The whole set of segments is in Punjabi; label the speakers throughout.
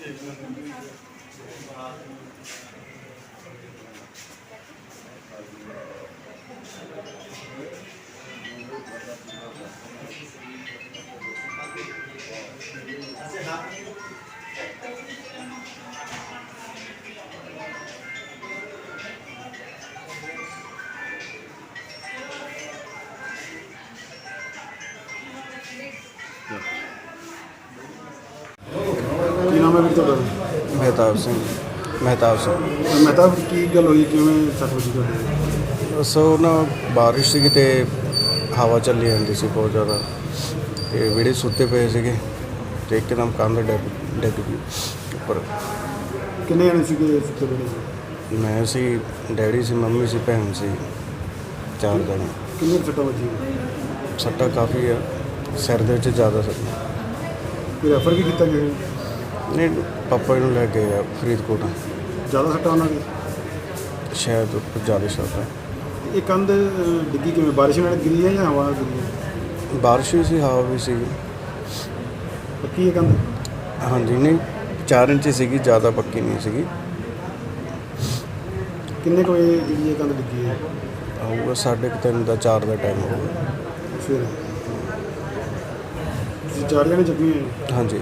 Speaker 1: ਕੀ ਨਾਮ ਹੈ ਵੀਰ ਤੁਹਾਡਾ?
Speaker 2: ਮਹਿਤਾਬ ਸਿੰਘ।
Speaker 1: ਮਹਿਤਾਬ, ਕੀ ਗੱਲ ਹੋਈ, ਕਿਵੇਂ ਸੱਟ ਵੱਜੀ ਤੁਹਾਡੇ?
Speaker 2: ਬਸ ਉਹ ਨਾ ਬਾਰਿਸ਼ ਸੀਗੀ ਅਤੇ ਹਵਾ ਚੱਲੀ ਜਾਂਦੀ ਸੀ ਬਹੁਤ ਜ਼ਿਆਦਾ, ਅਤੇ ਵਿਹੜੇ ਸੁੱਤੇ ਪਏ ਸੀਗੇ ਅਤੇ ਇੱਕਦਮ ਕੰਧ ਡਿੱਗ ਗਈ ਉੱਪਰ।
Speaker 1: ਕਿੰਨੇ ਜਣੇ ਸੀਗੇ ਸੁੱਤੇ ਪਏ ਸੀ?
Speaker 2: ਮੈਂ ਸੀ, ਡੈਡੀ ਸੀ, ਮੰਮੀ ਸੀ, ਭੈਣ ਸੀ, 4 ਜਣੇ।
Speaker 1: ਕਿੰਨੇ ਸੱਟਾਂ ਵੱਜੀਆਂ?
Speaker 2: ਸੱਟਾਂ ਕਾਫੀ ਆ, ਸਿਰ ਦੇ ਵਿੱਚ ਜ਼ਿਆਦਾ ਸੱਟਾਂ।
Speaker 1: ਕੋਈ ਰੈਫਰ ਵੀ ਕੀਤਾ ਗਿਆ?
Speaker 2: ਨਹੀਂ, ਪਾਪਾ ਨੂੰ ਲੈ ਗਏ ਆ ਫਰੀਦਕੋਟ।
Speaker 1: ਜ਼ਿਆਦਾ ਸੱਟਾਂ ਉਹਨਾਂ ਦੀ?
Speaker 2: ਸ਼ਾਇਦ ਉੱਪਰ ਜ਼ਿਆਦਾ ਸੱਟਾਂ।
Speaker 1: ਇਹ ਕੰਧ ਡਿੱਗੀ ਕਿਵੇਂ, ਬਾਰਿਸ਼ ਨਾਲ ਗਿਰੀ ਹੈ ਜਾਂ ਹਵਾ ਨਾਲ ਗਿਰੀ ਹੈ?
Speaker 2: ਬਾਰਿਸ਼ ਵੀ ਸੀ, ਹਵਾ ਵੀ ਸੀ।
Speaker 1: ਪੱਕੀ ਹੈ ਕੰਧ?
Speaker 2: ਹਾਂਜੀ, ਨਹੀਂ 4 ਇੰਚ ਸੀਗੀ, ਜ਼ਿਆਦਾ ਪੱਕੀ ਨਹੀਂ ਸੀਗੀ।
Speaker 1: ਕਿੰਨੇ ਕੁ ਵਜੇ ਜਿਹੜੀ ਇਹ ਕੰਧ ਡਿੱਗੀ ਹੈ?
Speaker 2: ਆਊਗਾ 3:30 ਦਾ, 4 ਦਾ ਟਾਈਮ ਹੋਊਗਾ।
Speaker 1: ਫਿਰ ਤੁਸੀਂ 4 ਜਣੇ ਜ਼ਖਮੀ ਹੋਏ?
Speaker 2: ਹਾਂਜੀ।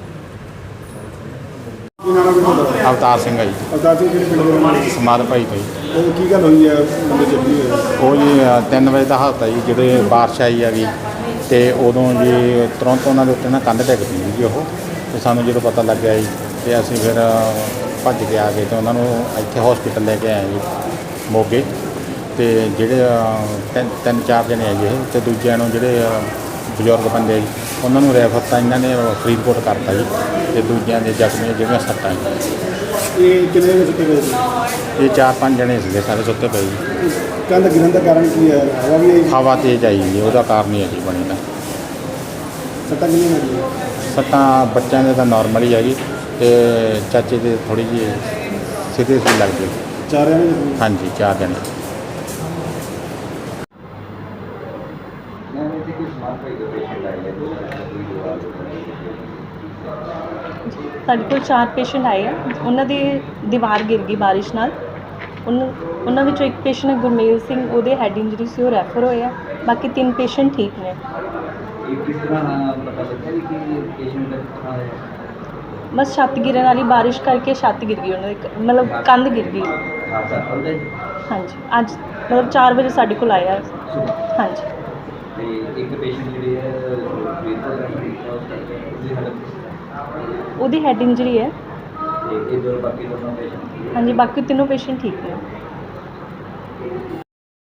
Speaker 1: ਕੀ ਨਾਮ ਹੈ ਤੁਹਾਡਾ?
Speaker 3: ਅਵਤਾਰ ਸਿੰਘ ਆ ਜੀ,
Speaker 1: ਅਵਤਾਰ ਸਿੰਘ, ਕਿਹੜੇ ਪਿੰਡ ਦੇ ਰਹਿਣ ਵਾਲੇ?
Speaker 3: ਸਮਾਧ ਭਾਈ ਭਾਈ।
Speaker 1: ਉਹ ਕੀ ਗੱਲ ਹੋਈ ਹੈ ਮੁੰਡੇ ਜ਼ਖਮੀ ਹੋਏ?
Speaker 3: ਉਹ ਜੀ 3 ਵਜੇ ਦਾ ਹਾਲਤ ਆ ਜੀ, ਜਦੋਂ ਬਾਰਿਸ਼ ਆਈ ਹੈਗੀ ਅਤੇ ਉਦੋਂ ਜੀ ਤੁਰੰਤ ਉਹਨਾਂ ਦੇ ਉੱਤੇ ਨਾ ਕੰਧ ਡਿੱਗ ਪਈ ਜੀ ਉਹ। ਅਤੇ ਸਾਨੂੰ ਜਦੋਂ ਪਤਾ ਲੱਗਿਆ ਜੀ ਅਤੇ ਅਸੀਂ ਫਿਰ ਭੱਜ ਕੇ ਆ ਗਏ ਅਤੇ ਉਹਨਾਂ ਨੂੰ ਇੱਥੇ ਹੌਸਪੀਟਲ ਲੈ ਕੇ ਆਏ ਜੀ ਮੋਗੇ। ਅਤੇ ਜਿਹੜੇ 3-4 ਜਣੇ ਆ ਜੀ ਇਹ, ਅਤੇ ਦੂਜਿਆਂ ਨੂੰ ਜਿਹੜੇ ਬਜ਼ੁਰਗ ਬੰਦੇ ਆ ਜੀ ਉਹਨਾਂ ਨੂੰ ਰੈਫਰ ਤਾਂ ਇਹਨਾਂ ਨੇ ਫਰੀਦਕੋਟ ਕਰਤਾ ਜੀ, ਅਤੇ ਦੂਜਿਆਂ ਦੇ ਜ਼ਖਮੀ ਜਿਹੜੀਆਂ ਸੱਟਾਂ ਜੀ।
Speaker 1: ਇਹ ਕਿੰਨੇ ਵਜੇ ਸੁੱਤੇ ਪਏ ਸੀ?
Speaker 3: ਇਹ 4-5 ਜਣੇ ਸੀਗੇ, ਸਾਰੇ ਸੁੱਤੇ ਪਏ ਜੀ।
Speaker 1: ਕੰਧ ਗਿਰਨ ਦਾ ਕਾਰਨ ਕੀ ਹੈ? ਹਵਾ ਵੀ ਆਈ?
Speaker 3: ਹਵਾ ਤੇਜ਼ ਆਈ ਜੀ, ਉਹਦਾ ਕਾਰਨ ਹੀ ਹੈ ਜੀ ਬਣੀ ਦਾ।
Speaker 1: ਸੱਟਾਂ ਕਿੰਨੀਆਂ ਲੱਗੀਆਂ?
Speaker 3: ਸੱਟਾਂ ਬੱਚਿਆਂ ਦੇ ਤਾਂ ਨਾਰਮਲ ਹੀ ਹੈਗੀ, ਅਤੇ ਚਾਚੇ ਦੇ ਥੋੜ੍ਹੀ ਜਿਹੀ ਸੀਰੀਅਸ ਵੀ ਲੱਗਦੀ।
Speaker 1: 4 ਜਣੇ ਜ਼ਖਮੀ?
Speaker 3: ਹਾਂਜੀ, 4 ਜਣੇ।
Speaker 4: ਸਾਡੇ ਕੋਲ 4 ਪੇਸ਼ੈਂਟ ਆਏ ਆ, ਉਹਨਾਂ ਦੀ ਦੀਵਾਰ ਗਿਰ ਗਈ ਬਾਰਿਸ਼ ਨਾਲ। ਉਹਨਾਂ ਵਿੱਚੋਂ ਇੱਕ ਪੇਸ਼ੈਂਟ ਹੈ ਗੁਰਮੇਲ ਸਿੰਘ, ਉਹਦੇ ਹੈਡ ਇੰਜਰੀ ਸੀ, ਉਹ ਰੈਫਰ ਹੋਏ ਆ। ਬਾਕੀ 3 ਪੇਸ਼ੈਂਟ ਠੀਕ ਨੇ। ਬਸ ਛੱਤ ਗਿਰਨ ਵਾਲੀ ਬਾਰਿਸ਼ ਕਰਕੇ ਛੱਤ ਗਿਰ ਗਈ ਉਹਨਾਂ ਦੀ, ਮਤਲਬ ਕੰਧ ਗਿਰ ਗਈ। ਹਾਂਜੀ, ਅੱਜ ਮਤਲਬ 4 ਵਜੇ ਸਾਡੇ ਕੋਲ ਆਇਆ। ਹਾਂਜੀ। ਉਹਦੀ ਹੈਡ ਇੰਜਰੀ ਹੈ। ਹਾਂਜੀ, ਬਾਕੀ 3 ਪੇਸ਼ੈਂਟ ਠੀਕ ਨੇ।